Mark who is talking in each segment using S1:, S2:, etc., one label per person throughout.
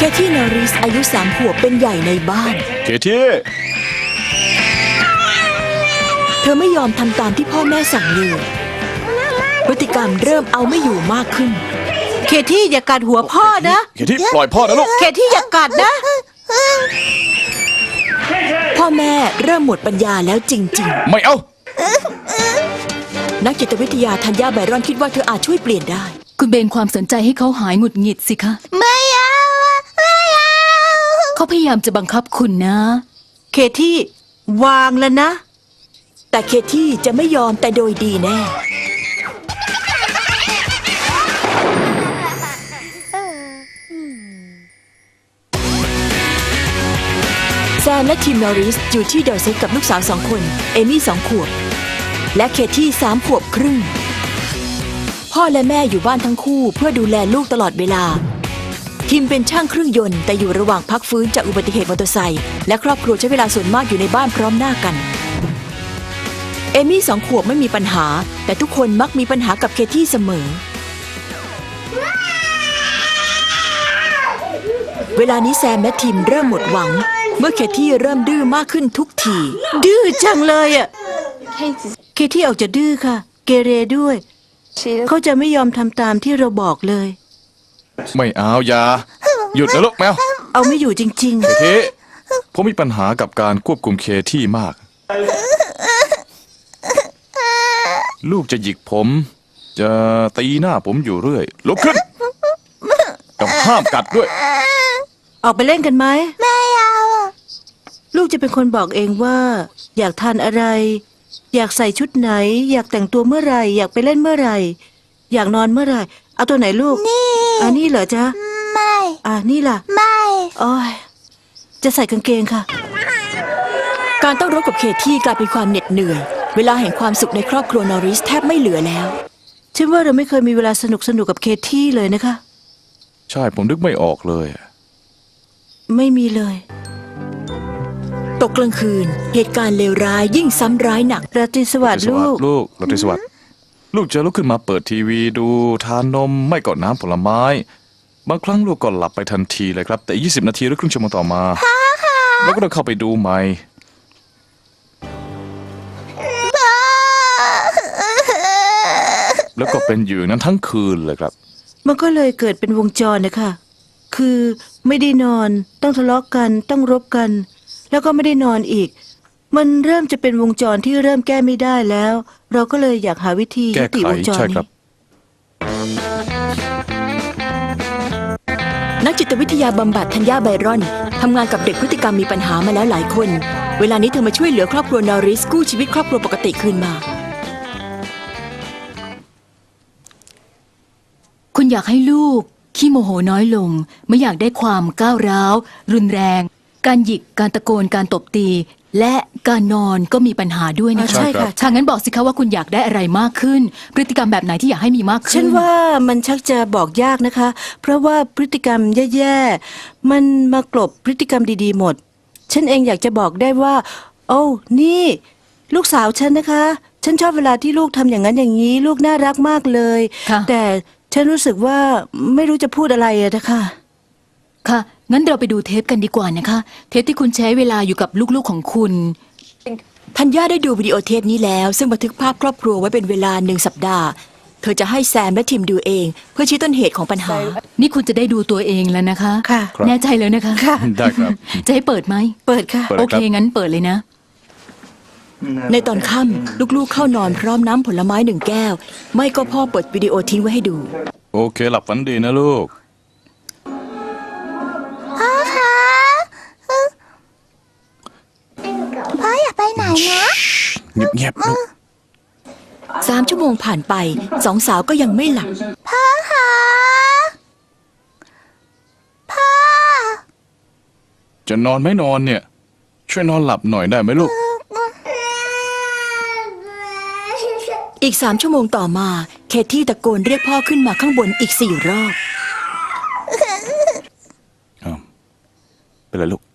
S1: เคที่นอริสอายุ3 ขวบเป็นใหญ่ในบ้าน
S2: เคที่
S1: เธอไม่ยอมทำตามที่พ่อแม่สั่งเลยพฤติกรรมเริ่มเอาไม่อยู่มากขึ้นเคที่อย่ากัดหัวพ่อนะ
S2: เคที่ปล่อยพ่อนะลูก
S1: เคที่อย่ากัดนะพ่อแม่เริ่มหมดปัญญาแล้วจริง
S2: ๆไม่เอา
S1: นักจิตวิทยาธัญญาไบรอนคิดว่าเธออาจช่วยเปลี่ยนได้
S3: คุณเบนความสนใจให้เขาหายหงุดหงิดสิคะ
S4: ไม่เอา
S3: เขาพยายามจะบังคับคุณนะ
S1: เคที่วางแล้วนะแต่เคที่จะไม่ยอมแต่โดยดีแน่แซมและทีมนอริสอยู่ที่ดอร์เซตกับลูกสาว2 คนเอมี่2 ขวบและเคที่3 ขวบครึ่งพ่อและแม่อยู่บ้านทั้งคู่เพื่อดูแลลูกตลอดเวลาคิมเป็นช่างเครื่องยนต์แต่อยู่ระหว่างพักฟื้นจากอุบัติเหตุมอเตอร์ไซค์และครอบครัวใช้เวลาส่วนมากอยู่ในบ้านพร้อมหน้ากันเอมี่2 ขวบไม่มีปัญหาแต่ทุกคนมักมีปัญหากับเคที่เสมอเวลานี้แซมและทีมเริ่มหมดหวังเมื่อเคที่เริ่มดื้อมากขึ้นทุกทีดื้อจังเลยอ่ะเคที่ออกจะดื้อค่ะเกเรด้วยเขาจะไม่ยอมทำตามที่เราบอกเลย
S2: ไม่เอาอย่าหยุดนะลูกแมว
S1: เอาไม่อยู่จริงๆ
S2: เคที่ผมมีปัญหากับการควบคุมเคที่มากลูกจะหยิกผมจะตีหน้าผมอยู่เรื่อยลุกขึ้นต้องห้ามกัดด้วย
S1: ออกไปเล่นกันไหม
S4: ไม่เอา
S1: ลูกจะเป็นคนบอกเองว่าอยากทานอะไรอยากใส่ชุดไหนอยากแต่งตัวเมื่อไหร่อยากไปเล่นเมื่อไหร่อยากนอนเมื่อไหร่เอาตัวไหนลูก
S4: นี่
S1: นี่เหรอจ๊ะ
S4: ไม่
S1: นี่ล่ะ
S4: ไม่
S1: โอ้ยจะใส่กางเกงค่ะการต้องรบกับเคที่กลายเป็นความเหน็ดเหนื่อยเวลาแห่งความสุขในครอบครัวนอริสแทบไม่เหลือแล้วฉันว่าเราไม่เคยมีเวลาสนุกกับเคที่เลยนะคะ
S2: ใช่ผมนึกไม่ออกเลย
S1: ไม่มีเลยตกกลางคืนเหตุการณ์เลวร้ายยิ่งซ้ำร้ายหนักราตรีสวัสดิ์ลูก
S2: ราตรีสวัสดิ์ลูกจะลุกขึ้นมาเปิดทีวีดูทานนมไม่ก่อนน้ำผลไม้บางครั้งลูกก็หลับไปทันทีเลยครับแต่20 นาทีหรือครึ่งชั่วโมงต่อมาแล้วก็ต้องเข้าไปดูใหม่แล้วก็เป็นอยู่นั้นทั้งคืนเลยครับ
S1: มันก็เลยเกิดเป็นวงจรนะคะคือไม่ได้นอนต้องทะเลาะกันต้องรบกันแล้วก็ไม่ได้นอนอีกมันเริ่มจะเป็นวงจรที่เริ่มแก้ไม่ได้แล้วเราก็เลยอยากหาวิธี
S2: ยุติวงจรนี้
S1: นักจิตวิทยาบำบัดธัญญาไบรอนทำงานกับเด็กพฤติกรรมมีปัญหามาแล้วหลายคนเวลานี้เธอมาช่วยเหลือครอบครัวนอริสกู้ชีวิตครอบครัวปกติคืนมา
S3: คุณอยากให้ลูกขี้โมโหน้อยลงไม่อยากได้ความก้าวร้าวรุนแรงการหยิกการตะโกนการตบตีและการนอนก็มีปัญหาด้วยนะคะ
S1: ใช่ค่ะ
S3: ถ้างั้นบอกสิคะว่าคุณอยากได้อะไรมากขึ้นพฤติกรรมแบบไหนที่อยากให้มีมากขึ้น
S1: ฉันว่ามันชักจะบอกยากนะคะเพราะว่าพฤติกรรมแย่ๆมันมากลบพฤติกรรมดีๆหมดฉันเองอยากจะบอกได้ว่าโอ้นี่ลูกสาวฉันนะคะฉันชอบเวลาที่ลูกทำอย่างนั้นอย่างนี้ลูกน่ารักมากเลยแต่ฉันรู้สึกว่าไม่รู้จะพูดอะไรนะคะ
S3: ค่ะงั้นเราไปดูเทปกันดีกว่านะคะเทปที่คุณใช้เวลาอยู่กับลูกๆของคุณ
S1: ธัญญาได้ดูวิดีโอเทปนี้แล้วซึ่งบันทึกภาพครอบครัวไว้เป็นเวลา1 สัปดาห์เธอจะให้แซมและทีมดูเองเพื่อชี้ต้นเหตุของปัญหา
S3: นี่คุณจะได้ดูตัวเองแล้วนะคะ
S1: ค่ะ
S3: แน่ใจเลยนะคะ
S1: ค่ะ
S2: ได้ครับ
S3: จะให้เปิดไหม
S1: เปิดค่ะ
S3: โอเคงั้นเปิดเลยนะ
S1: ในตอนค่ำลูกๆเข้านอนพร้อมน้ำผลไม้1 แก้วไม่ก็พ่อเปิดวิดีโอทิ้งไว้ให้ดู
S2: โอเคหลับฝันดีนะลูก
S4: พ่ออย่าไปไหนนะ
S2: เงียบๆลูก
S1: 3 ชั่วโมงผ่านไป2 สาวก็ยังไม่หลับ
S4: พ่อคะพ่อ
S2: จะนอนไม่นอนเนี่ยช่วยนอนหลับหน่อยได้ไหมลูก
S1: อีก3 ชั่วโมงต่อมาเคที่ตะโกนเรียกพ่อขึ้นมาข้างบนอีก4 รอบ
S2: เป็นไรลูก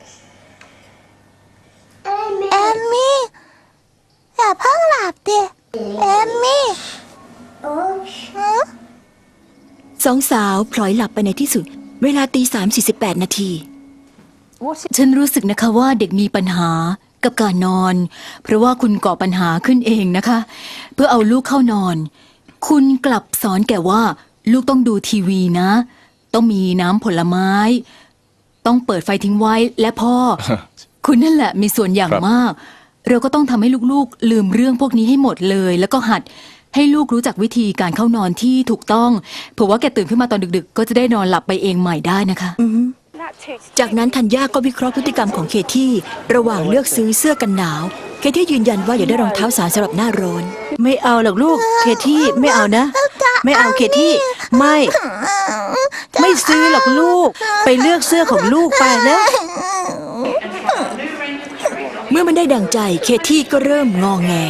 S4: เอมมี่อย่าเพิ่งหลับดิเอมมี่
S1: 2 สาวพลอยหลับไปในที่สุดเวลา3:48 น.
S3: ฉันรู้สึกนะคะว่าเด็กมีปัญหากับการนอน เพราะว่าคุณก่อปัญหาขึ้นเองนะคะ เพื่อเอาลูกเข้านอน คุณกลับสอนแก่ว่าลูกต้องดูทีวีนะ ต้องมีน้ำผลไม้ ต้องเปิดไฟทิ้งไว้และพ่อ คุณนั่นแหละมีส่วนอย่าง
S2: ครับ
S3: มาก เราก็ต้องทำให้ลูกๆลืมเรื่องพวกนี้ให้หมดเลย แล้วก็หัดให้ลูกรู้จักวิธีการเข้านอนที่ถูกต้องเผื่อว่าแกตื่นขึ้นมาตอนดึกๆ ก็จะได้นอนหลับไปเองใหม่ได้นะคะ
S1: จากนั้นธัญญาก็วิเคราะห์พฤติกรรมของเคที่ระหว่างเลือกซื้อเสื้อกันหนาว เคที่ยืนยันว่าอยากได้รองเท้าสารสำหรับหน้าร้อน
S5: ไม่เอาหรอกลูก เคที่ไม่เอานะ ไม่เอาเคที่ไม่ ไม่ซื้อหรอกลูก ไปเลือกเสื้อของลูกไปนะ
S1: เมื่อมันได้ดังใจเคที่ก็เริ่มงอแง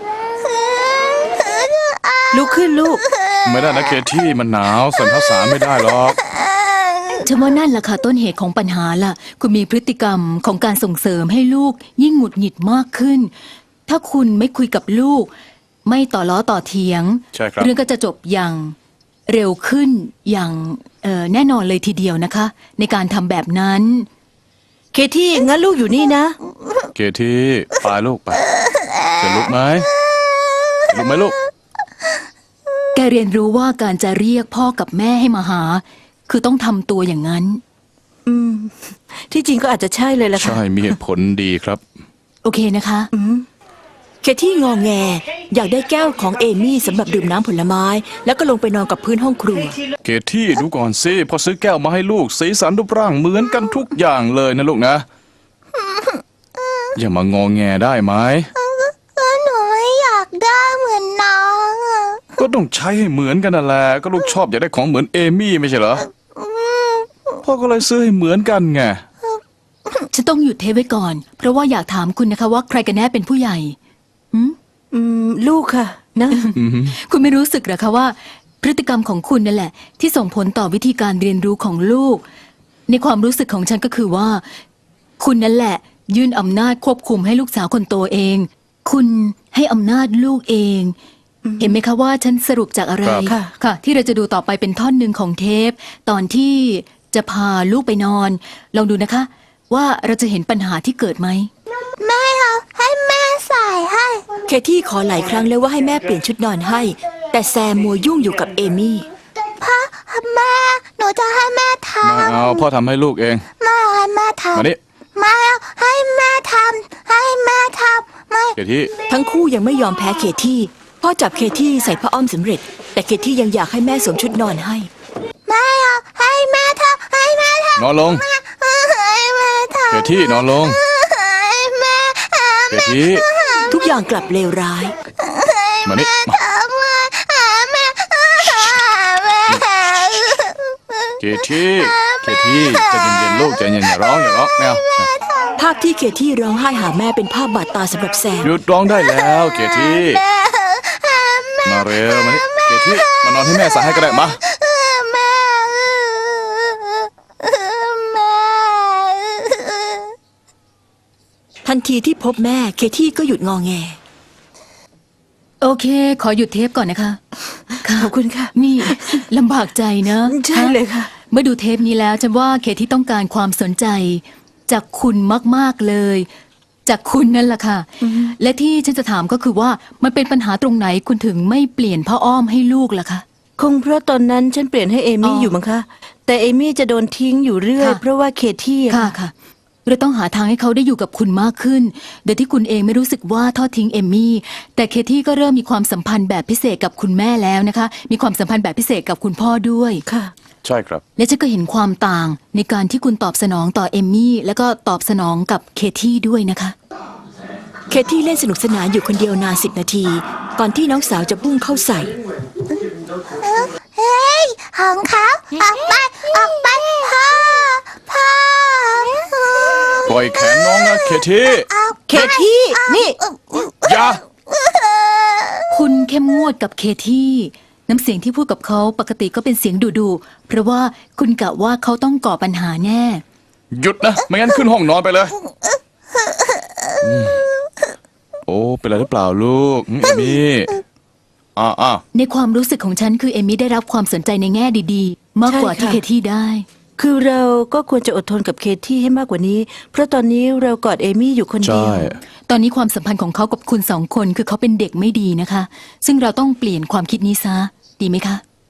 S5: ลุกขึ้นลูก
S2: ไม่ได้นะเคที่มันหนาวใส่ผ้าสารไม่ได้หรอก
S3: ฉันว่านั่นแหละค่ะต้นเหตุของปัญหาล่ะ คุณมีพฤติกรรมของการส่งเสริมให้ลูกยิ่งหงุดหงิดมากขึ้น ถ้าคุณไม่คุยกับลูก ไม่ต่อล้อต่อเถียง
S2: ใช่ครับ
S3: เรื่องก็จะจบอย่างเร็วขึ้นอย่างแน่นอนเลยทีเดียวนะคะ ในการทำแบบนั้น
S5: เคที่งั้นลูกอยู่นี่นะ
S2: เคที่ไปลูกไปจะลุกไหมลุกไหมลูก
S3: แกเรียนรู้ว่าการจะเรียกพ่อกับแม่ให้มาหา คือต้องทำตัวอย่างนั้น
S5: ที่จริงก็อาจจะใช่เลยล่ะค่ะ
S2: ใช่มีเหตุผลดีครับ
S3: โอเคนะคะ
S1: เคที่งอแง อยากได้แก้วของเอมี่สำหรับดื่มน้ำผลไม้ แล้วก็ลงไปนอนกับพื้นห้องครัว
S2: เคที่ดูก่อนสิพอซื้อแก้วมาให้ลูกสีสันรูปร่างเหมือนกันทุกอย่างเลยนะลูกนะ อย่ามางอแงได้ไหม
S4: หนูไม่อยากได้เหมือนน้องอะ
S2: ก็ต้องใช้ให้เหมือนกันนั่นแหละก็ลูกชอบอยากได้ของเหมือนเอมี่ไม่ใช่เหรอพ่อก็เลยซื้อให้เหมือนกันไง
S3: ฉันต้องหยุดเทปไว้ก่อน เพราะว่าอยากถามคุณนะคะว่าใครกันแน่เป็นผู้ใหญ่
S5: ลูกค่ะ นะ
S3: คุณไม่รู้สึกเหรอคะว่า พฤติกรรมของคุณนั่นแหละ ที่ส่งผลต่อวิธีการเรียนรู้ของลูก ในความรู้สึกของฉันก็คือว่า คุณนั่นแหละ ยื่นอำนาจควบคุมให้ลูกสาวคนโตเอง คุณให้อำนาจลูกเอง เห็นไหมคะว่าฉันสรุปจากอะไร
S5: ครับ
S3: ค่ะ ที่เราจะดูต่อไปเป็นท่อนหนึ่งของเทป ตอนที่จะพาลูกไปนอน ลองดูนะคะ ว่าเราจะเห็นปัญหาที่เกิดไหม
S4: ไม่เอาให้แม่ใส่ให้
S1: เคที่ขอหลายครั้งแล้วว่าให้แม่เปลี่ยนชุดนอนให้ แต่แซมมัวยุ่งอยู่กับเอมี่
S4: พ่อแม่หนูจะให้แม่ท
S2: ไม่เอาพ่อทำให้ลูกเอง
S4: ำไม่เอาให้แม่ทำ
S2: มานี่
S4: ไม่เอาให้แม่ทำให้แม่ทำไม่
S2: เคที่
S1: ทั้งคู่ยังไม่ยอมแพ้เคที่พ่อจับเคที่ใส่ผ้าอ้อมสำเร็จ แต่เคที่ยังอยากให้แม่สวมชุดนอนให้
S4: ไม่เอาให้แม่ทำให้แม่ท
S2: นอนลง
S4: ำให้แม่ทำ
S2: เคที่นอนลง
S4: ให้แม่
S2: เคที่
S1: ทุกอย่างกลับเลวร้าย
S2: มานี่มา
S4: ทำให้แม่แม่
S2: เคที่เคที่ใจเย็นๆลูกใจเย็นอย่าร้องไม่เอา
S1: ภาพที่เคที่ร้องไห้หาแม่เป็นภาพบาดตาสำหรับแซม
S2: หยุดร้องได้แล้วเคที่มาเร็วมานี่เคที่มานอนให้แม่ใส่ให้ก็ได้มา
S4: แม่
S1: ทันทีที่พบแม่เคที่ก็หยุดงอแง
S3: โอเค ขอหยุดเทปก่อนนะคะ
S5: ขอบคุณค่ะ
S3: นี่ลำบากใจเนอะ
S5: ใช่เลยค่ะ
S3: เมื่อดูเทปนี้แล้วฉันว่าเคที่ต้องการความสนใจ จากคุณมากๆเลย จากคุณนั่นแหละค่ะ และที่ฉันจะถามก็คือว่ามันเป็นปัญหาตรงไหนคุณถึงไม่เปลี่ยนผ้าอ้อมให้ลูกล่ะคะ
S5: คงเพราะตอนนั้นฉันเปลี่ยนให้เอมี่
S3: อ๋อ
S5: อยู่มั้งคะ แต่เอมี่จะโดนทิ้งอยู่เรื่อย
S3: ค่ะ
S5: เพราะว่าเคที่อะ
S3: ค่ะค่ะเราต้องหาทางให้เขาได้อยู่กับคุณมากขึ้น โดยที่คุณเองไม่รู้สึกว่าทอดทิ้งเอมมี่ แต่เคที่ก็เริ่มมีความสัมพันธ์แบบพิเศษกับคุณแม่แล้วนะคะ มีความสัมพันธ์แบบพิเศษกับคุณพ่อด้วย
S5: ค่ะ
S2: ใช่ครับ
S3: และฉันก็เห็นความต่างในการที่คุณตอบสนองต่อเอมมี่ แล้วก็ตอบสนองกับเคที่ด้วยนะคะ
S1: เคที่เล่นสนุกสนานอยู่คนเดียวนาน10 นาที ก่อนที่น้องสาวจะพุ่งเข้าใส่
S4: เฮ้ยของเขาออกไปออกไปพ่อ
S2: ปล่อยแขนน้องนะเคที่
S5: เคที่ นี่
S2: อย่า
S3: คุณเข้มงวดกับเคที่น้ำเสียงที่พูดกับเขาปกติก็เป็นเสียงดุๆเพราะว่าคุณกะว่าเขาต้องก่อปัญหาแน่
S2: หยุดนะไม่งั้นขึ้นห้องนอนไปเลยโอ้เป็นไรหรือเปล่าลูกเอมี่
S3: ในความรู้สึกของฉันคือเอมี่ได้รับความสนใจในแง่ดีๆ มากกว่า
S5: ใช่
S3: ที่
S5: ค่ะ
S3: เคที่ได้
S5: คือเราก็ควรจะอดทนกับเคที่ให้มากกว่านี้ เพราะตอนนี้เรากอดเอมี่อยู่คนเดี
S2: ใช่
S5: ยว
S3: ตอนนี้ความสัมพันธ์ของเขากับคุณสองคนคือเขาเป็นเด็กไม่ดีนะคะ ซึ่งเราต้องเปลี่ยนความคิดนี้ซะ ดีไหมคะ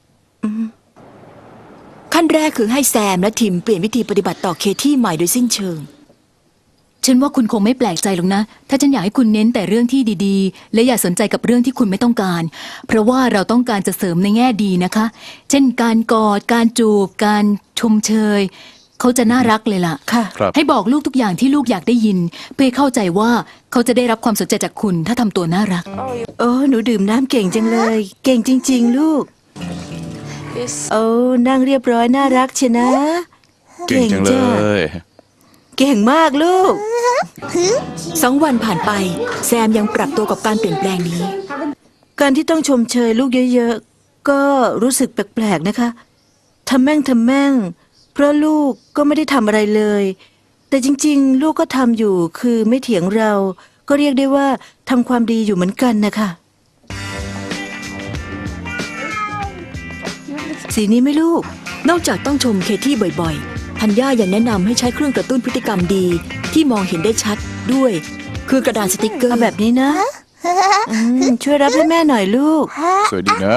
S1: ขั้นแรกคือให้แซมและทิมเปลี่ยนวิธีปฏิบัติต่อเคที่ใหม่โดยสิ้นเชิง
S3: ฉันว่าคุณคงไม่แปลกใจหรอกนะ ถ้าฉันอยากให้คุณเน้นแต่เรื่องที่ดีๆ และอย่าสนใจกับเรื่องที่คุณไม่ต้องการ เพราะว่าเราต้องการจะเสริมในแง่ดีนะคะ เช่นการกอด การจูบ การชมเชย เขาจะน่ารักเลยล่ะ
S5: ค่ะ
S2: ครับ
S3: ให้บอกลูกทุกอย่างที่ลูกอยากได้ยิน เพื่อให้เข้าใจว่าเขาจะได้รับความสนใจจากคุณถ้าทำตัวน่ารัก
S5: โอ้หนูดื่มน้ำเก่งจังเลย เก่งจริง ๆ ลูก โอ้นั่งเรียบร้อยน่ารักเชียวนะ
S2: เก่งจังเล
S5: จ้ะ
S2: ย
S5: เก่งมากลูก
S1: 2 วันผ่านไป แซมยังปรับตัวกับการเปลี่ยนแปลงนี้
S5: การที่ต้องชมเชยลูกเยอะๆ ก็รู้สึกแปลกๆนะคะทำแม่ง เพราะลูกก็ไม่ได้ทำอะไรเลย แต่จริงๆ ลูกก็ทำอยู่คือไม่เถียงเรา ก็เรียกได้ว่าทำความดีอยู่เหมือนกันนะคะ สีนี้ไหมลูก
S1: นอกจากต้องชมเคที่บ่อยๆ ธัญญายังแนะนำให้ใช้เครื่องกระตุ้นพฤติกรรมดีที่มองเห็นได้ชัดด้วย คือกระดาษสติกเกอ
S5: เอา
S1: ร์
S5: แบบนี้นะช่วยรับให้แม่หน่อยลูก
S2: สวยดีนะ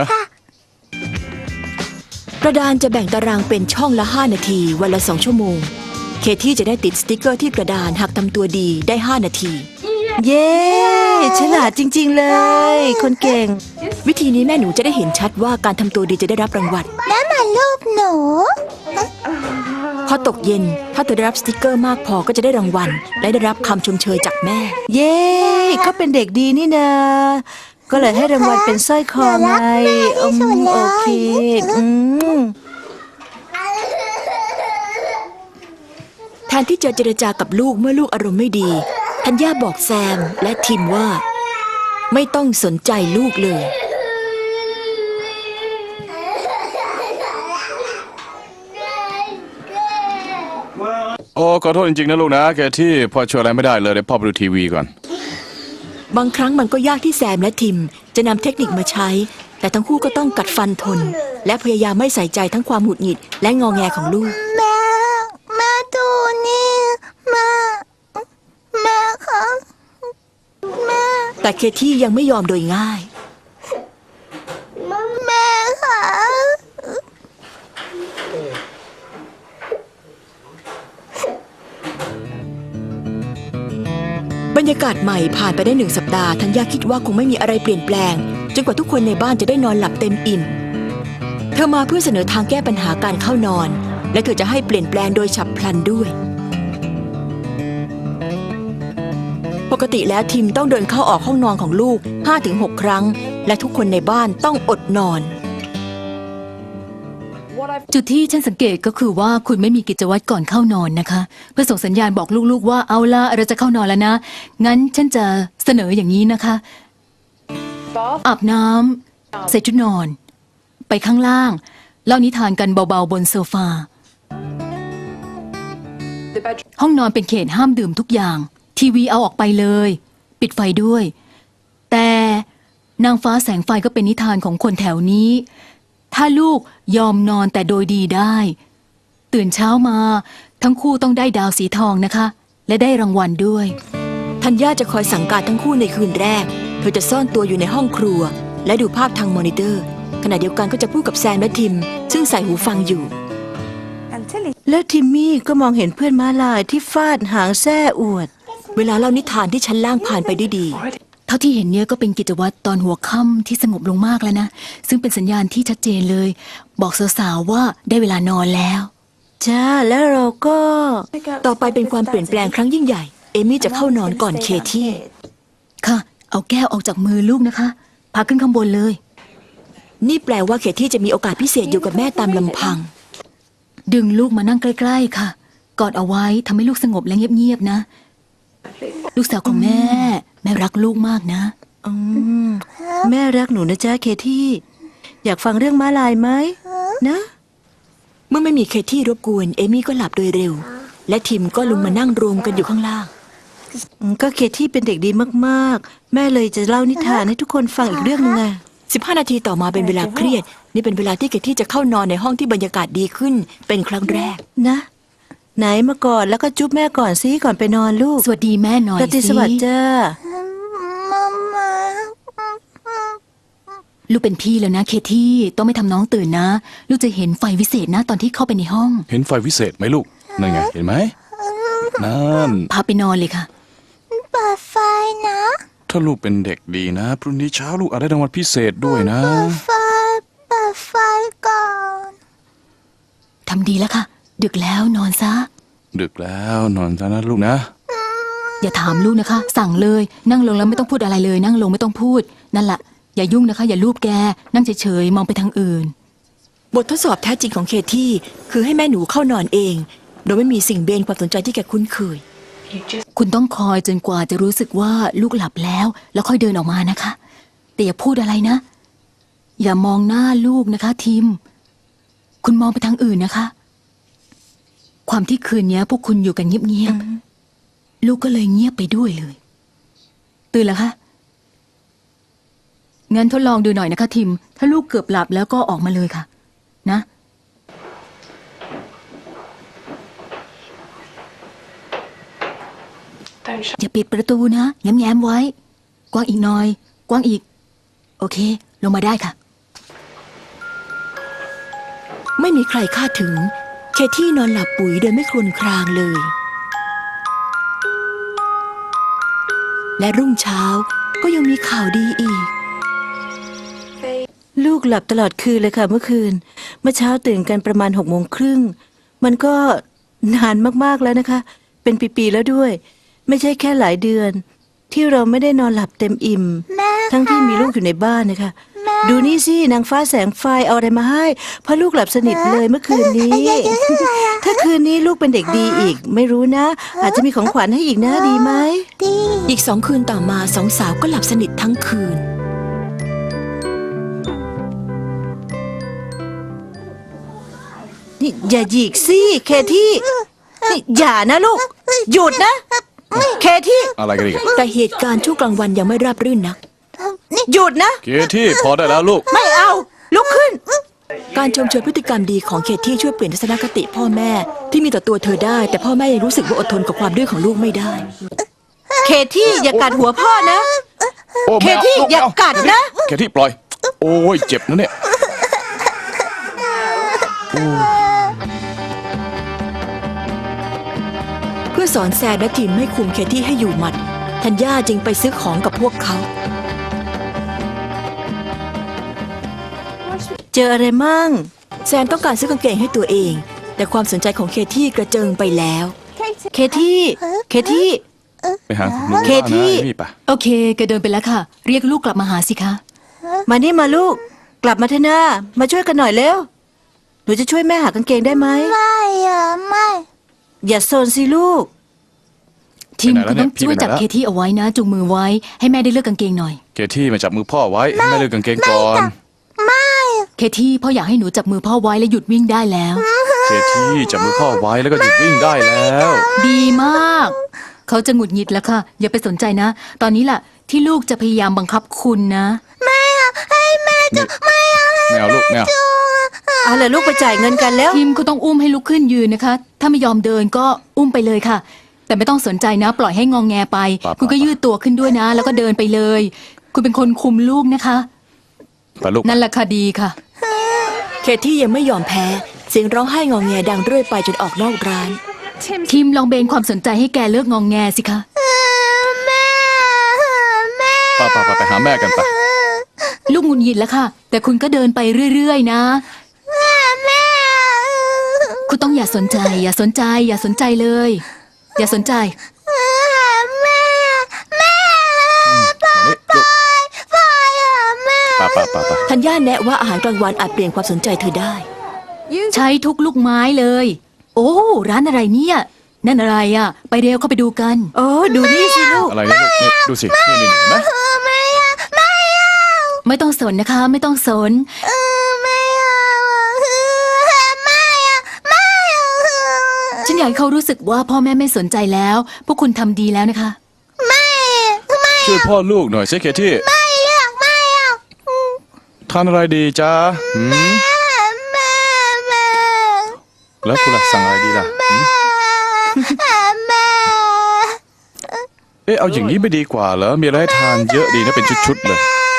S1: กระดานจะแบ่งตารางเป็นช่องละ 5 นาที วันละ 2 ชั่วโมง เคที่จะได้ติดสติกเกอร์ที่กระดานหากทำตัวดีได้ 5 นาที
S5: เย้ฉลาดจริง ๆ เลย คนเก่ง
S1: วิธีนี้แม่หนูจะได้เห็นชัดว่าการทำตัวดีจะได้รับรางวัล
S4: นั่นมันรูปหนู
S1: พอตกเย็นถ้าเธอได้รับสติกเกอร์มากพอก็จะได้รางวัล และได้รับคำชมเชยจากแม่
S5: เย้เขาเป็นเด็กดีนี่นา ก็เลยให้รางวัลเป็นสร้อยคอไงโอเคอืม
S1: แทนที่จะเจรจากับลูกเมื่อลูกอารมณ์ไม่ดีธัญญาบอกแซมและทิมว่า ไม่ต้องสนใจลูกเลย
S2: โอ้ขอโทษจริงๆนะลูกนะแกที่พ่อช่วยอะไรไม่ได้เลยเดี๋ยวพ่อไปดูทีวีก่อน
S1: บางครั้งมันก็ยากที่แซมและทิมจะนำเทคนิคมาใช้ แต่ทั้งคู่ก็ต้องกัดฟันทน และพยายามไม่ใส่ใจทั้งความหงุดหงิดและงอแงของลูก
S4: แม่ดูนี่แม่คะแม่
S1: แต่เคที่ยังไม่ยอมโดยง่าย
S4: แม่คะ
S1: บรรยากาศใหม่ผ่านไปได้1 สัปดาห์ธัญญาคิดว่าคงไม่มีอะไรเปลี่ยนแปลงจนกว่าทุกคนในบ้านจะได้นอนหลับเต็มอิ่ม เธอมาเพื่อเสนอทางแก้ปัญหาการเข้านอน และเธอจะให้เปลี่ยนแปลงโดยฉับพลันด้วย ปกติแล้วทิมต้องเดินเข้าออกห้องนอนของลูก 5-6 ครั้ง และทุกคนในบ้านต้องอดนอน
S3: จุดที่ฉันสังเกตก็คือว่าคุณไม่มีกิจวัตรก่อนเข้านอนนะคะ เพื่อส่งสัญญาณบอกลูกๆว่าเอาละเราจะเข้านอนแล้วนะ งั้นฉันจะเสนออย่างนี้นะคะอาบน้ำใส่ชุดนอน ไปข้างล่างเล่านิทานกันเบาๆบนโซฟา ห้องนอนเป็นเขตห้ามดื่มทุกอย่าง ทีวีเอาออกไปเลย ปิดไฟด้วย แต่นางฟ้าแสงไฟก็เป็นนิทานของคนแถวนี้ ถ้าลูกยอมนอนแต่โดยดีได้ ตื่นเช้ามาทั้งคู่ต้องได้ดาวสีทองนะคะ และได้รางวัลด้วย
S1: ธัญญาจะคอยสั่งการทั้งคู่ในคืนแรก เธอจะซ่อนตัวอยู่ในห้องครัว และดูภาพทางมอนิเตอร์ ขณะเดียวกันก็จะพูดกับแซมและทิม ซึ่งใส่หูฟังอยู่
S5: แล้วทิมมี่ก็มองเห็นเพื่อนม้าลายที่ฟาดหางแส้อวด
S1: เวลาเล่านิทานที่ชั้นล่างผ่านไปด้วยดี
S3: เท่าที่เห็นเนี่ยก็เป็นกิจวัตรตอนหัวค่ำที่สงบลงมากแล้วนะ ซึ่งเป็นสัญญาณที่ชัดเจนเลย บอกสาวๆว่าได้เวลานอนแล้ว
S5: จ้าแล้วเราก็
S1: ต่อไปเป็นความเปลี่ยนแปลงครั้งยิ่งใหญ่ เอมี่จะเข้านอนก่อนเคที่
S3: ค่ะ เอาแก้วออกจากมือลูกนะคะพาขึ้นข้างบนเลย
S1: นี่แปลว่าเคที่จะมีโอกาสพิเศษอยู่กับแม่ตามลำพัง
S3: ดึงลูกมานั่งใกล้ๆค่ะ กอดเอาไว้ทำให้ลูกสงบและเงียบๆนะ ลูกสาวของแม่ แม่รักลูกมากนะ
S5: แม่รักหนูนะจ๊ะเคที่ อยากฟังเรื่องม้าลายไหมนะ
S1: เมื่อไม่มีเคที่รบกวน เอมี่ก็หลับโดยเร็ว และทิมก็ลงมานั่งรวมกันอยู่ข้างล่าง
S5: ก็เคที่เป็นเด็กดีมากๆ แม่เลยจะเล่านิทานให้ทุกคนฟังอีกเรื่องหนึงไง
S1: แซ 15 นาทีต่อมาเป็นเวลาเครียด นี่เป็นเวลาที่เคที่จะเข้านอนในห้องที่บรรยากาศดีขึ้น เป็นครั้งแรก
S5: นะ ไหนมาก่อนแล้วก็จุ๊บแม่ก่อนสิก่อนไปนอนลูก
S3: สวัสดีแม่หน่อย
S5: ราตรีสวัสดิ์จ้า
S4: มามา
S3: ลูกเป็นพี่แล้วนะเคที่ต้องไม่ทำน้องตื่นนะ ลูกจะเห็นไฟวิเศษนะตอนที่เข้าไปในห้อง
S2: เห็นไฟวิเศษไหมลูก นั่นไง เห็นไหม นั่น
S3: พาไปนอนเลยค่ะ
S4: เปิดไฟนะ
S2: ถ้าลูกเป็นเด็กดีนะ พรุ่งนี้เช้าลูกอาจได้รางวัลพิเศษด้วยนะ
S4: ไฟเปิดไฟก่อน
S3: ทำดีแล้วค่ะ ดึกแล้วนอนซะ
S2: ดึกแล้วนอนซะนะลูกนะ
S3: อย่าถามลูกนะคะ สั่งเลย นั่งลงแล้วไม่ต้องพูดอะไรเลย นั่งลงไม่ต้องพูด นั่นแหละอย่ายุ่งนะคะ อย่าลูบแก นั่งเฉยๆมองไปทางอื่น
S1: บททดสอบแท้จริงของเคที่คือให้แม่หนูเข้านอนเอง โดยไม่มีสิ่งเบนความสนใจที่แกคุ้นเคย
S3: คุณต้องคอยจนกว่าจะรู้สึกว่าลูกหลับแล้ว แล้วค่อยเดินออกมานะคะ แต่อย่าพูดอะไรนะ อย่ามองหน้าลูกนะคะทิม คุณมองไปทางอื่นนะคะ ความที่คืนนี้พวกคุณอยู่กันเงียบๆลูกก็เลยเงียบไปด้วยเลย ตื่นแล้วคะงั้นทดลองดูหน่อยนะคะทิม ถ้าลูกเกือบหลับแล้วก็ออกมาเลยค่ะ นะ อย่าปิดประตูนะแง้มๆไว้ กว้างอีกหน่อย กว้างอีก โอเค ลงมาได้ค่ะ
S1: ไม่มีใครคาดถึง เคที่นอนหลับปุ๋ยโดยไม่ครวญครางเลย และรุ่งเช้าก็ยังมีข่าวดีอีก
S5: ลูกหลับตลอดคืนเลยค่ะเมื่อคืน เมื่อเช้าตื่นกันประมาณ6 โมงครึ่ง มันก็นานมากๆแล้วนะคะ เป็นปีๆแล้วด้วย ไม่ใช่แค่หลายเดือน ที่เราไม่ได้นอนหลับเต็มอิ่ม
S4: แม่
S5: ทั้งที่มีลูกอยู่ในบ้านนะคะ ดูนี่สินางฟ้าแสงไฟเอาอะไรมาให้เพราะลูกหลับสนิทเลยเมื่อคืนนี้ ถ้าคืนนี้ลูกเป็นเด็กดีอีก ไม่รู้นะ อาจจะมีของขวัญให้อีกนะดีไหม
S4: ดี
S1: อีก2 คืนต่อมาสองสาวก็หลับสนิททั้งคืน
S5: นี่อย่าหยิกสิเคที่นี่อย่านะลูก หยุดนะ เคที่
S2: อะไรกันอีกอะ
S1: แต่เหตุการณ์ช่วงกลางวันยังไม่ราบรื่นนัก
S5: หยุดนะ
S2: เคที่พอได้แล้วลูก
S5: ไม่เอา ลุกขึ้น
S1: การชมเชยพฤติกรรมดีของเคที่ช่วยเปลี่ยนทัศนคติพ่อแม่ที่มีต่อตัวเธอได้ แต่พ่อแม่ยังรู้สึกว่าอดทนกับความดื้อของลูกไม่ได้
S5: เคที่อย่ากัดหัวพ่อนะ
S2: โอ้
S5: เค
S2: แมว
S5: ที่
S2: ลูก
S5: อย่า
S2: แมว
S5: กัดนะ
S2: เคที่ปล่อย โอ้ยเจ็บนะเนี่ย
S1: เพื่อสอนแซนและทีมไม่คุมเคที่ให้อยู่หมัดธัญญาจึงไปซื้อของกับพวกเขา
S5: เจออะไรมั่ง
S1: แซนต้องการซื้อกางเกงให้ตัวเอง แต่ความสนใจของเคที่กระเจิงไปแล้ว
S5: เคที่ เคที่
S2: ไปหาคุณลุง
S5: เคที่
S2: นะนี่ปะ
S3: โอเคแกเดินไปแล้วค่ะ เรียกลูกกลับมาหาสิคะ
S5: มานี่มาลูก กลับมาเถอะนะมาช่วยกันหน่อยเร็ว หนูจะช่วยแม่หากางเกงได้ไหม
S4: ไม่อะไม่
S5: อย่าโซนสิลูก
S3: ทีมคุณต้องช่วยจับเคที่เอาไว้นะจูงมือไว้ให้แม่ได้เลือกกางเกงหน่อย
S2: เคที่มาจับมือพ่อไว้ให้แม่เลือกกางเกงก่อน
S3: เคที่พ่ออยากให้หนูจับมือพ่อไว้และหยุดวิ่งได้แล้ว
S2: เคที่จับมือพ่อไว้แล้วก็หยุดวิ่งได้แล้ว
S3: ดีมาก เขาจะหงุดหงิดแล้วค่ะ อย่าไปสนใจนะ ตอนนี้ล่ะ ที่ลูกจะพยายามบังคับคุณนะ
S2: ไม่เอาลูกไม่เอา
S5: เอาล่ะลูกไปจ่ายเงินกันแล้ว
S3: ทีมก็ต้องอุ้มให้ลุกขึ้นยืนนะคะ ถ้าไม่ยอมเดินก็อุ้มไปเลยค่ะ แต่ไม่ต้องสนใจนะ ปล่อยให้งองแงไป คุณก็ยืดตัวขึ้นด้วยนะ แล้วก็เดินไปเลย คุณเป็นคนคุมลูกนะคะ
S2: ไปลูก
S3: นั่นแหละค่ะดีค่ะ
S1: เคที่ยังไม่ยอมแพ้ เสียงร้องไห้งอแงดังเรื่อยไปจนออกนอกร้าน
S3: ทีมลองเบนความสนใจให้แกเลิกงองแงสิคะ
S4: แม่แม่
S2: ไปหาแม่กันไป
S3: ลูกหงุดหงิดแล้วค่ะ แต่คุณก็เดินไปเรื่อยๆนะ
S4: แม่
S3: คุณต้องอย่าสนใจ อย่าสนใจ อย่าสนใจเลย อย่าสนใจ
S4: แม่แม่
S2: มานี่ลูก
S4: ไปอะแม่
S2: ไป
S1: ธัญญาแนะว่าอาหารกลางวันอาจเปลี่ยนความสนใจเธอได้
S3: ใช้ทุกลูกไม้เลย โอ้ ร้านอะไรเนี่ย นั่นอะไรอ่ะ ไปเร็วเข้าไปดูกัน
S5: โอ้ดูนี่สิลูก
S2: อะไรนะลูกนี่ดูสินี่เห็นไหม
S4: ไม่อะไม่เอา
S3: ไม่ต้องสนนะคะ ไม่ต้องสน
S4: ไม่เอาไม่อะไม่เอา
S3: ฉันอยากให้เขารู้สึกว่าพ่อแม่ไม่สนใจแล้ว พวกคุณทำดีแล้วนะคะ
S4: ไม่
S2: ช่วยพ่อลูกหน่อยสิเคที่
S4: ไม่อยากไม่เอา
S2: ทานอะไรดีจ๊ะแล้วคุณล่ะสั่งอะไรดีล่ะเอ๊ะเอาอย่างนี้ไม่ดีกว่าเหรอมีอะไรให้ทานเยอะดีนะเป็นชุดๆเลย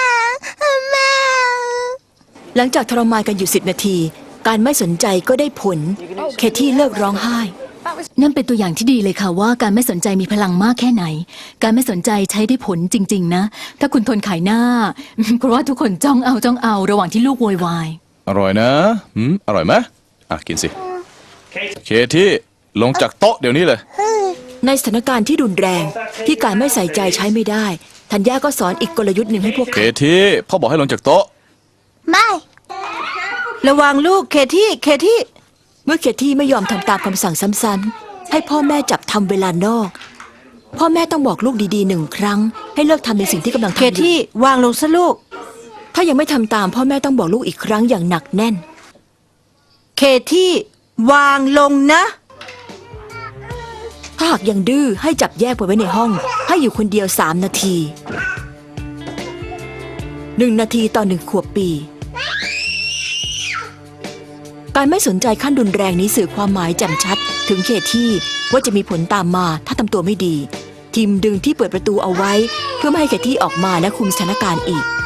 S1: หลังจากทรมานกันอยู่10 นาที การไม่สนใจก็ได้ผล เคที่เลิกร้องไห้
S3: นั่นเป็นตัวอย่างที่ดีเลยค่ะว่าการไม่สนใจมีพลังมากแค่ไหน การไม่สนใจใช้ได้ผลจริง ๆ นะ ถ้าคุณทนขายหน้า เพราะว่าทุกคนจ้องเอาระหว่างที่ลูกโวยวาย
S2: อร่อยนะอร่อยไหมกินสิเคที่ลงจากโต๊ะเดี๋ยวนี้เลย
S1: ในสถานการณ์ที่รุนแรงที่การไม่ใส่ใจใช้ไม่ได้ธัญญาก็สอนอีกกลยุทธ์หนึ่งให้พวก
S2: เค
S1: เขา
S2: ที่พ่อบอกให้ลงจากโต๊ะ
S4: ไม่
S5: ระวังลูกเคที่เคที่
S1: เมื่อเคที่ไม่ยอมทำตามคำสั่งซ้ำๆให้พ่อแม่จับทำเวลานอก พ่อแม่ต้องบอกลูกดีๆ1 ครั้ง ให้เลิกทำในสิ่งที่กำลัง
S5: เค
S1: ทำอยู่
S5: ที่วางลงซะลูก
S1: ถ้ายังไม่ทำตามพ่อแม่ต้องบอกลูกอีกครั้งอย่างหนักแน่น
S5: เคที่วางลงนะ
S1: ถ้าหากยังดื้อให้จับแยกไปไว้ในห้อง ให้อยู่คนเดียว3 นาที1 นาทีต่อ1 ขวบปี การไม่สนใจขั้นรุนแรงนี้สื่อความหมายแจ่มชัด ถึงเคที่ว่าจะมีผลตามมาถ้าทำตัวไม่ดี ทีมดึงที่เปิดประตูเอาไว้ เพื่อไม่ให้เคที่ออกมาและคุมสถานการณ์อีก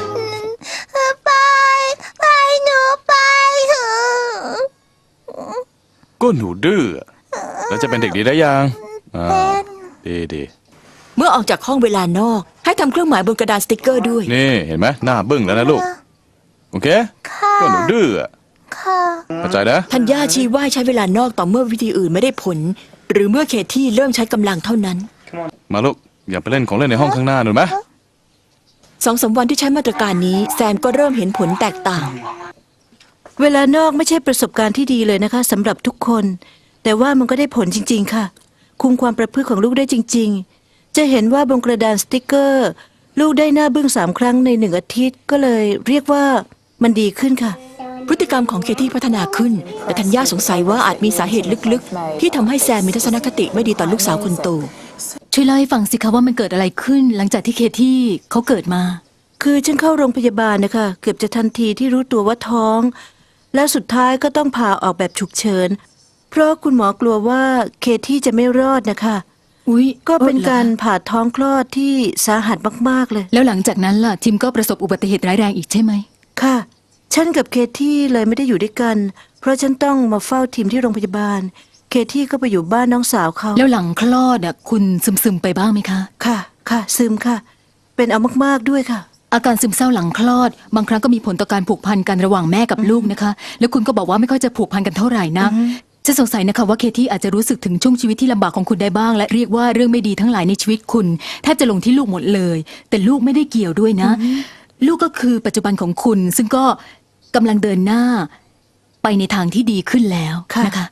S4: ไปหนูไปเถอะ
S2: ก็หนูดื้อแล้วจะเป็นเด็กดีได้ยังดี
S1: เมื่อออกจากห้องเวลานอก ให้ทำเครื่องหมายบนกระดาษสติกเกอร์ด้วย
S2: นี่เห็นไหมหน้าบึ้งแล้วนะลูกโอเคก็หนูดื้อ
S4: ค่ะ
S2: เข้าใจนะ
S1: ธัญญาชี้ว่าใช้เวลานอกต่อเมื่อวิธีอื่นไม่ได้ผล หรือเมื่อเคที่เริ่มใช้กำลังเท่านั้น
S2: มาลูกอย่าไปเล่นของเล่นในห้องข้างหน้าหนูไหม
S1: 2-3 วันที่ใช้มาตรการนี้แซมก็เริ่มเห็นผลแตกต่าง
S5: เวลานอกไม่ใช่ประสบการณ์ที่ดีเลยนะคะสำหรับทุกคน แต่ว่ามันก็ได้ผลจริง ๆ ค่ะ คุมความประพฤติของลูกได้จริง ๆ จะเห็นว่าบนกระดานสติกเกอร์ ลูกได้หน้าบึ้ง3 ครั้งใน1 อาทิตย์ก็เลยเรียกว่ามันดีขึ้นค่ะ
S1: พฤติกรรมของเคที่พัฒนาขึ้น แต่ธัญญาสงสัยว่าอาจมีสาเหตุลึกๆ ที่ทำให้แซมมีทัศนคติไม่ดีต่อลูกสาวคนโต
S3: ช่วยเล่าให้ฟังสิคะว่ามันเกิดอะไรขึ้น หลังจากที่เคที่เขาเกิดมา
S5: คือฉันเข้าโรงพยาบาลนะคะเกือบจะทันทีที่รู้ตัวว่าท้อง และสุดท้ายก็ต้องผ่าออกแบบฉุกเฉินเพราะคุณหมอกลัวว่าเคที่จะไม่รอดนะคะ
S3: อุ๊ย
S5: ก็เป็น
S3: หอ
S5: การผ่าท้องคลอดที่สาหัสมากๆเลย
S3: แล้วหลังจากนั้นล่ะทิมก็ประสบอุบัติเหตุร้ายแรงอีกใช่ไหม
S5: ค่ะ ฉันกับเคที่เลยไม่ได้อยู่ด้วยกัน เพราะฉันต้องมาเฝ้าทีมที่โรงพยาบาล เคที่ก็ไปอยู่บ้านน้องสาวเขา
S3: แล้วหลังคลอดคุณซึมๆไปบ้างไหมคะ
S5: ค่ะ ค่ะ ซึมค่ะ เป็นเอามากๆด้วยค่ะ
S3: อาการซึมเศร้าหลังคลอด บางครั้งก็มีผลต่อการผูกพันกันระหว่างแม่กับลูกนะคะ แล้วคุณก็บอกว่าไม่ค่อยจะผูกพันกันเท่าไหร่นะฉันสงสัยนะคะว่าเคที่อาจจะรู้สึกถึงช่วงชีวิตที่ลำบากของคุณได้บ้าง และเรียกว่าเรื่องไม่ดีทั้งหลายในชีวิตคุณแทบจะลงที่ลูกหมดเลย แต่ลูกไม่ได้เกี่ยวด้วยนะ ลูกก็คือปัจจุบันของคุณ ซึ่งก็กำลังเดินหน้า ไปในทางที่ดีขึ้นแล้ว
S5: ค่ะ
S3: นะคะ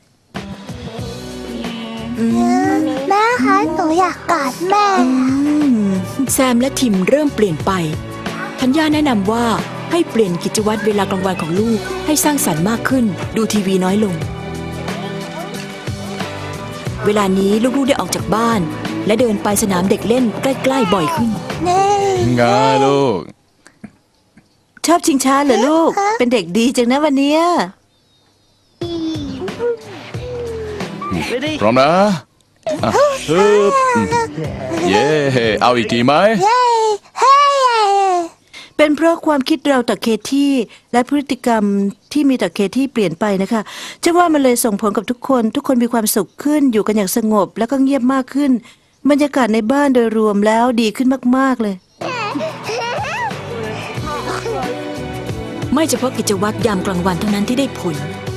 S4: แม่คะหนูอยากกอดแม่
S1: แซมและทิมเริ่มเปลี่ยนไปธัญญาแนะนำว่าให้เปลี่ยนกิจวัตรเวลากลางวันของลูกให้สร้างสรรค์มากขึ้น ดูทีวีน้อยลง เวลานี้ลูกๆได้ออกจากบ้าน และเดินไปสนามเด็กเล่นใกล้ๆบ่อยขึ้น
S4: นี่
S2: ไงลูก
S5: ชอบชิงช้าเหรอลูก เป็นเด็กดีจังนะวันเนี้ย
S2: พร้อมนะฮึบเย่เอาอีกทีไหม
S4: เฮ้ยเฮ้ย
S5: เป็นเพราะความคิดเราต่อเคที่และพฤติกรรมที่มีต่อเคที่เปลี่ยนไปนะคะจะว่ามันเลยส่งผลกับทุกคนมีความสุขขึ้นอยู่กันอย่างสงบแล้วก็เงียบมากขึ้น บรรยากาศในบ้านโดยรวมแล้วดีขึ้นมากๆเลย
S1: ไม่เฉพาะกิจวัตรยามกลางวันเท่านั้นที่ได้ผล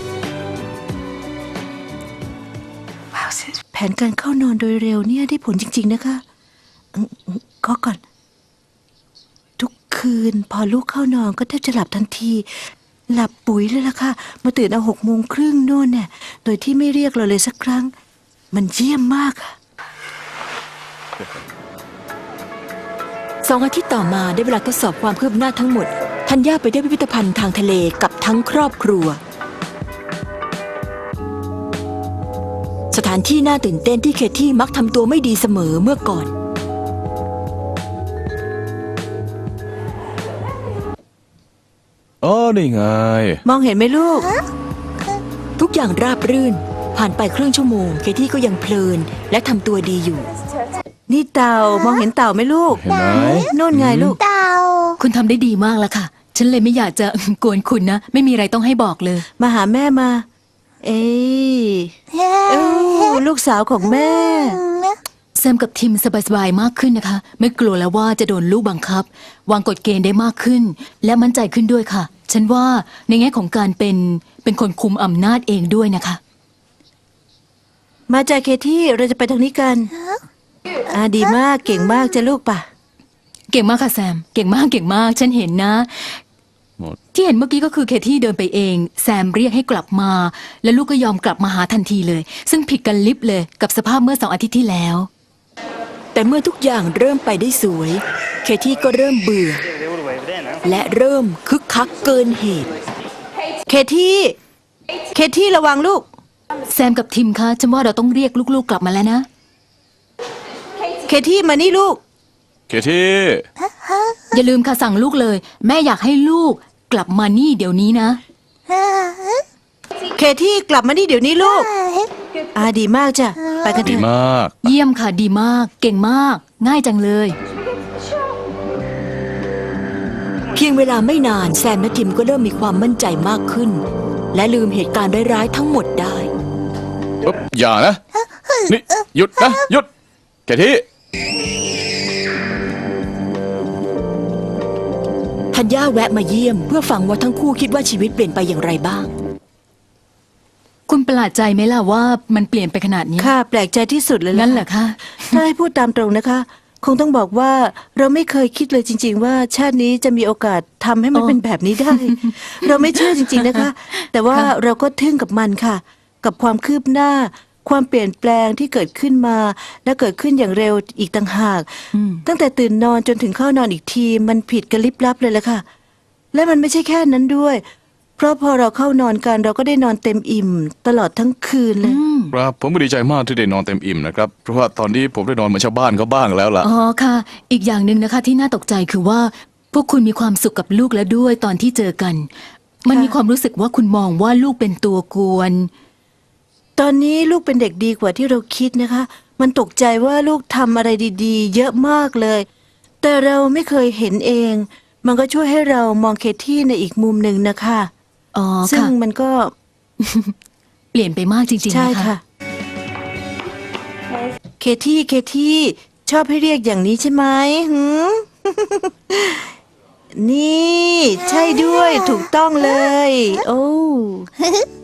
S5: แผนการเข้านอนโดยเร็วเนี่ยได้ผลจริง ๆ นะคะก็ก่อน ทุกคืนพอลูกเข้านอนก็แทบจะหลับทันที หลับปุ๋ยเลยล่ะค่ะมาตื่นเอา6:30โน่นเนี่ยโดยที่ไม่เรียกเราเลยสักครั้ง มันเยี่ยมมากค่ะ
S1: 2 อาทิตย์ต่อมาได้เวลาทดสอบความคืบหน้าทั้งหมดธัญญาไปได้พิพิธภัณฑ์ทางทะเลกับทั้งครอบครัว สถานที่น่าตื่นเต้นที่เคที่มักทำตัวไม่ดีเสมอเมื่อก่อน
S2: อ๋อนี่ไง
S5: มองเห็นไหมลูก
S1: ทุกอย่างราบรื่น ผ่านไปครึ่งชั่วโมง เคที่ก็ยังเพลิน และทำตัวดีอยู่
S5: นี่เต่ามองเห็นเต่าไหมลูก
S2: เห็นไหม
S5: โน่นไงลูก
S4: เต่า
S3: คุณทำได้ดีมากแล้วค่ะ ฉันเลยไม่อยากจะ กวนคุณนะ ไม่มีอะไรต้องให้บอกเลย
S5: มาหาแม่มา เอ้ยลูกสาวของแม่
S3: แซมกับทิมสบายๆมากขึ้นนะคะ ไม่กลัวแล้วว่าจะโดนลูกบังคับ วางกฎเกณฑ์ได้มากขึ้น และมั่นใจขึ้นด้วยค่ะ ฉันว่าในแง่ของการเป็นคนคุมอำนาจเองด้วยนะคะ
S5: มาจากเคที่เราจะไปทางนี้กันดีมากเก่งมากจะลูกป่ะ
S3: เก่งมากค่ะแซม เก่งมากเก่งมาก ฉันเห็นนะ
S2: หมด
S3: ที่เห็นเมื่อกี้ก็คือเคที่เดินไปเอง แซมเรียกให้กลับมา แล้วลูกก็ยอมกลับมาหาทันทีเลย ซึ่งผิดกันลิบเลยกับสภาพเมื่อ2 อาทิตย์ที่แล้ว
S1: แต่เมื่อทุกอย่างเริ่มไปได้สวย เคที่ก็เริ่มเบื่อ และเริ่มคึกคักเกินเหตุ
S5: เคที่ระวังลูก
S3: แซมกับทิมคะฉันว่าเราต้องเรียกลูกๆกลับมาแล้วนะ
S5: เคที่มานี่ลูก
S2: เคที่
S3: อย่าลืมค่ะสั่งลูกเลย แม่อยากให้ลูกกลับมานี่เดี๋ยวนี้นะ
S5: เคที่กลับมานี่เดี๋ยวนี้ลูกดีมากจ้ะไปกันเถ
S2: ดี
S5: อะ
S2: มาก
S3: เยี่ยมค่ะดีมาก เก่งมาก ง่ายจังเลย
S1: เพียงเวลาไม่นานแซมและทิมก็เริ่มมีความมั่นใจมากขึ้น และลืมเหตุการณ์ร้ายๆทั้งหมดได้
S2: ปุ๊บอย่านะ นี่ หยุดนะ หยุดเคที่
S1: ธัญญาแวะมาเยี่ยมเพื่อฟังว่าทั้งคู่คิดว่าชีวิตเปลี่ยนไปอย่างไรบ้าง
S3: คุณประหลาดใจไหมล่ะว่ามันเปลี่ยนไปขนาดนี้
S5: ค่ะแปลกใจที่สุดเลยล่ะ
S3: งั้นเหรอคะ
S5: ถ้าให้พูดตามตรงนะคะ คงต้องบอกว่าเราไม่เคยคิดเลยจริง ๆ ว่าชาตินี้จะมีโอกาสทำให้มันเป็นแบบนี้ได้ เราไม่เชื่อจริง ๆนะคะ แต่ว่าเราก็ทึ่งกับมันค่ะ กับความคืบหน้า ความเปลี่ยนแปลงที่เกิดขึ้นมา และเกิดขึ้นอย่างเร็วอีกต่างหาก ตั้งแต่ตื่นนอนจนถึงเข้านอนอีกทีมันผิดกันลิบลับเลยละค่ะ และมันไม่ใช่แค่นั้นด้วย เพราะพอเราเข้านอนกันเราก็ได้นอนเต็มอิ่ม ตลอดทั้งคืนเลย
S2: ครับผมก็ดีใจมากที่ได้นอนเต็มอิ่มนะครับ เพราะว่าตอนนี้ผมได้นอนเหมือนชาวบ้านเขาบ้างแล้วล่ะ
S3: อ๋อค่ะ อีกอย่างหนึ่งนะคะที่น่าตกใจคือว่า พวกคุณมีความสุขกับลูกแล้วด้วยตอนที่เจอกัน มันมีความรู้สึกว่าคุณมองว่าลูกเป็นตัวกวน
S5: ตอนนี้ลูกเป็นเด็กดีกว่าที่เราคิดนะคะ มันตกใจว่าลูกทำอะไรดีๆ เยอะมากเลย แต่เราไม่เคยเห็นเอง มันก็ช่วยให้เรามองเคที่ในอีกมุมหนึ่งนะคะ
S3: อ๋อ
S5: ซึ่ง
S3: ค่ะ
S5: มันก็
S3: เปลี่ยนไปมากจริงๆ
S5: ใช่
S3: นะคะ
S5: ค่ะ เคที่ชอบให้เรียกอย่างนี้ใช่ไหมหืม นี่ ใช่ด้วยถูกต้องเลย โอ้